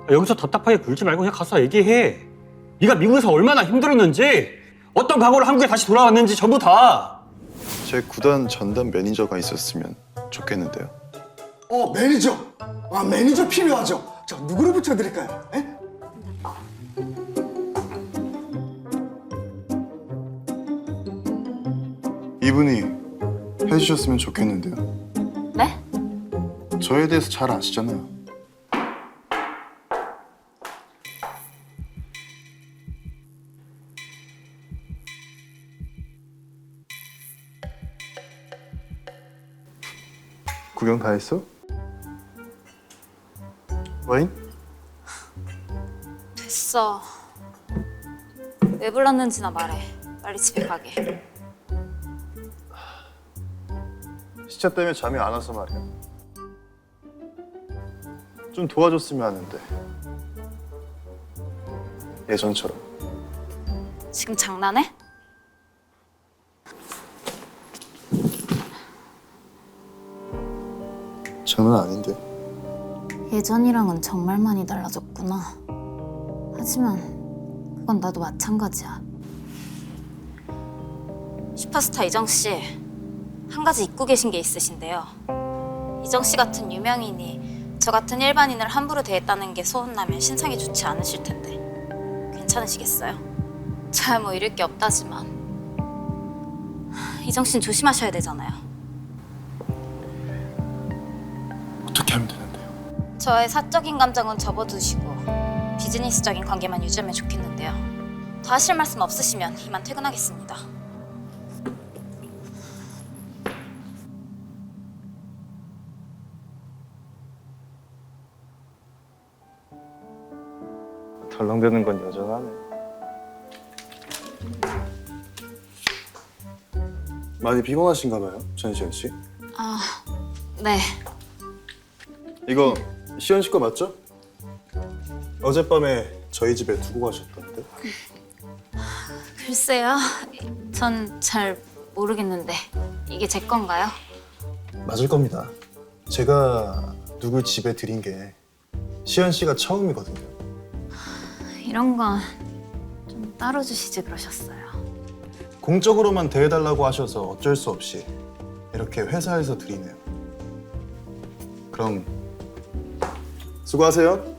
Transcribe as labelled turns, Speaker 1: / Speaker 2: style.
Speaker 1: 여기서 답답하게 굴지 말고 그냥 가서 얘기해. 네가 미국에서 얼마나 힘들었는지, 어떤 각오로 한국에 다시 돌아왔는지 전부 다.
Speaker 2: 제 구단 전담 매니저가 있었으면 좋겠는데요.
Speaker 3: 매니저. 매니저 필요하죠. 자, 누구를 붙여드릴까요? 에?
Speaker 2: 이분이 해주셨으면 좋겠는데요.
Speaker 4: 네?
Speaker 2: 저에 대해서 잘 아시잖아요. 구경 다 했어? 와인?
Speaker 4: 됐어. 왜 불렀는지나 말해. 빨리 집에 가게.
Speaker 2: 시차 때문에 잠이 안 와서 말이야. 좀 도와줬으면 하는데. 예전처럼.
Speaker 4: 지금 장난해?
Speaker 2: 장난 아닌데.
Speaker 4: 예전이랑은 정말 많이 달라졌구나. 하지만 그건 나도 마찬가지야. 슈퍼스타 이정 씨, 한 가지 잊고 계신 게 있으신데요. 이정 씨 같은 유명인이 저 같은 일반인을 함부로 대했다는 게 소문나면 신상이 좋지 않으실 텐데 괜찮으시겠어요? 잘 뭐 잃을 게 없다지만 이정 씨는 조심하셔야 되잖아요.
Speaker 2: 어떻게 하면 되는데요?
Speaker 4: 저의 사적인 감정은 접어두시고 비즈니스적인 관계만 유지하면 좋겠는데요. 더 하실 말씀 없으시면 이만 퇴근하겠습니다.
Speaker 2: 덜렁대는 건 여전하네. 많이 피곤하신가 봐요, 전시현 씨.
Speaker 4: 네.
Speaker 2: 이거 시현 씨 거 맞죠? 어젯밤에 저희 집에 두고 가셨던데.
Speaker 4: 글쎄요. 전 잘 모르겠는데 이게 제 건가요?
Speaker 2: 맞을 겁니다. 제가 누구 집에 들인 게 시현 씨가 처음이거든요.
Speaker 4: 이런 건 좀 따로 주시지 그러셨어요.
Speaker 2: 공적으로만 대해달라고 하셔서 어쩔 수 없이 이렇게 회사에서 드리네요. 그럼 수고하세요.